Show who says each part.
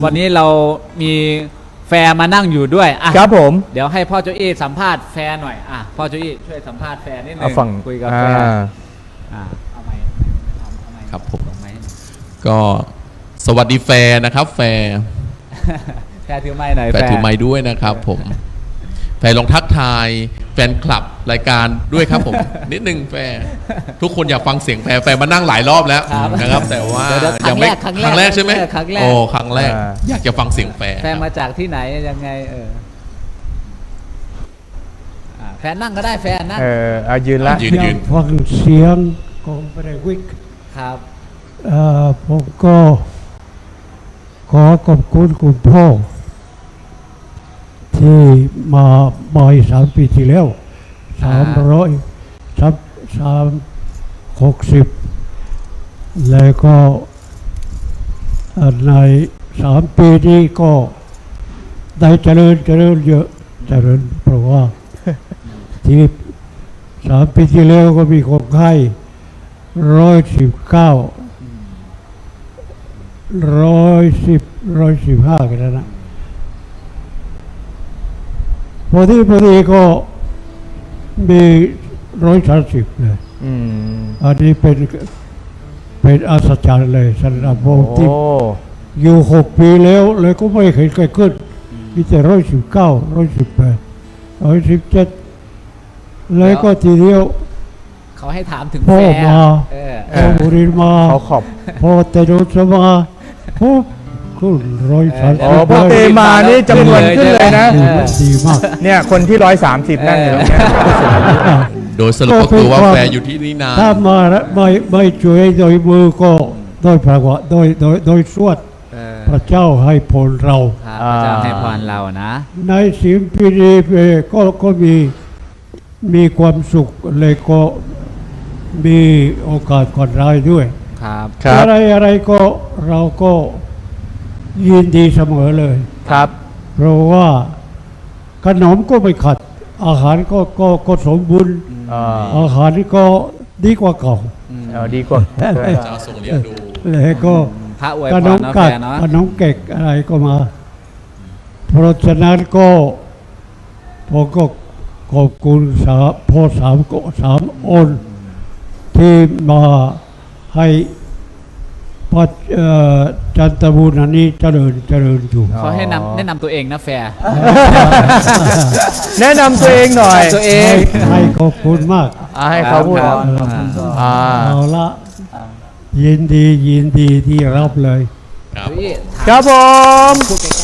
Speaker 1: วันนี้เรามีแฟร์มานั่งอยู่ด้วยอ่ะ
Speaker 2: ครับผม
Speaker 1: เดี๋ยวให้พ่อโจอี้สัมภาษณ์แฟร์หน่อยอ่ะพ่อโจอี้ช่วยสัมภาษณ์แฟร์นิดนึ
Speaker 2: เอา
Speaker 1: ง
Speaker 2: ฝั่ง
Speaker 1: คุยกับแฟร์เอาไมค์
Speaker 3: ครับผม
Speaker 1: ลงไมค์
Speaker 3: ก็สวัสดีแฟร์นะครับ แฟร์
Speaker 1: แฟร์ถือไมค์หน่อย
Speaker 3: แฟร์ถือไม้ด้วยนะครับผมแฟร์ลองทักทายแฟนคลับรายการด้วยครับผม นิดนึงแฟร์ทุกคนอยากฟังเสียงแฟร์มานั่งหลายรอบแล้วนะครับ แต่ว่า
Speaker 1: เดี๋ยวๆ
Speaker 3: ยังไม่ครั้งแรกใช่ไหม
Speaker 1: ครั้งแรก
Speaker 3: โอ้ครั้งแรกอยากจะฟังเสียงแฟร์
Speaker 1: แฟร์มาจากที่ไหนยังไงแฟร์นั่งก็ได้แฟร์นั่ง
Speaker 2: เอายืนละ
Speaker 3: ยื
Speaker 4: อยากฟังเสียงของเบรวิก
Speaker 1: ครับ
Speaker 4: ผมก็ขอขอบคุณคุณพ่อที่มาบ่อย3 ปีที่แล้ว360แล้วก็ใน3 ปีนี้ก็ได้เจริญเยอะเจริญเพราะว่า ที่3 ปีที่แล้วก็มีคนไข้119 115กันแล้วนะพอดีก็มี130เลย
Speaker 2: อืม
Speaker 4: อันนี้เป็นอัศจรรย์เลยสำหรับผม
Speaker 2: โอ้
Speaker 4: ที่อยู่6 ปีแล้วเลยก็ไม่เคยขึ้นมีแต่119 118 117เลยก็ทีเดียว
Speaker 1: เขาให้ถามถึง
Speaker 4: พ่อ
Speaker 1: แฟร์
Speaker 4: มา
Speaker 1: เออ
Speaker 4: พอบุรินมา
Speaker 2: เขาขอบ
Speaker 4: พอเตโดสมาปุ๊บขึ้น130
Speaker 2: อ๋อพอเตมานี่จำนวนขึ้นเลยนะ
Speaker 4: ดีมาก
Speaker 2: เนี่ยคนที่130นั่งอยู่ตรงเนี้ย
Speaker 3: โดยสรุปก็คือว่าแฟร์อยู่ที่นี่นาน
Speaker 4: ถ้ามาไม่ช่วยโดยมือก็โดยพระวะโดยสวดพระเจ้าให้ผลเรา
Speaker 1: ครับพระเจ้าให้พรเรานะ
Speaker 4: ในสิ่งปีนี้ก็มีความสุขเลยก็มีโอกาสก่อนรายด้วย
Speaker 1: ครับ
Speaker 2: ครับ
Speaker 4: อะไรก็เราก็ยินดีเสมอเลย
Speaker 2: ครับ
Speaker 4: เพราะว่าขนมก็ไม่ขัด อาหารก็สมบูรณ์ อาหารก็ดีกว่าเก่า
Speaker 2: ดีกว่า
Speaker 3: เจ้าทรงเลี้ยงดู
Speaker 4: แล้วก็
Speaker 1: พระอวย
Speaker 4: ข
Speaker 1: พ
Speaker 4: น
Speaker 1: ร
Speaker 4: ม
Speaker 1: นะ
Speaker 4: กั
Speaker 1: แฟ
Speaker 4: ด
Speaker 1: ร์เนาะ
Speaker 4: ขนมเก็กอะไรก็มา เพราะฉะนั้นก็ผมก็ขอบคุณพ่อสามองค์ที่มาให้ปัจจันทบุรีนี้เจริญอยู่
Speaker 1: เขาให้แนะนำตัวเองนะแฟร์
Speaker 2: แนะนำตัวเองหน่อย
Speaker 1: ตัวเอง
Speaker 4: ให้ขอบคุณมาก
Speaker 2: ให้เขาพูด
Speaker 1: ครับ
Speaker 4: เอาละยินดีที่รับเลย
Speaker 3: ครับ
Speaker 1: โจอี้
Speaker 2: ครับผม
Speaker 1: พูดใกล้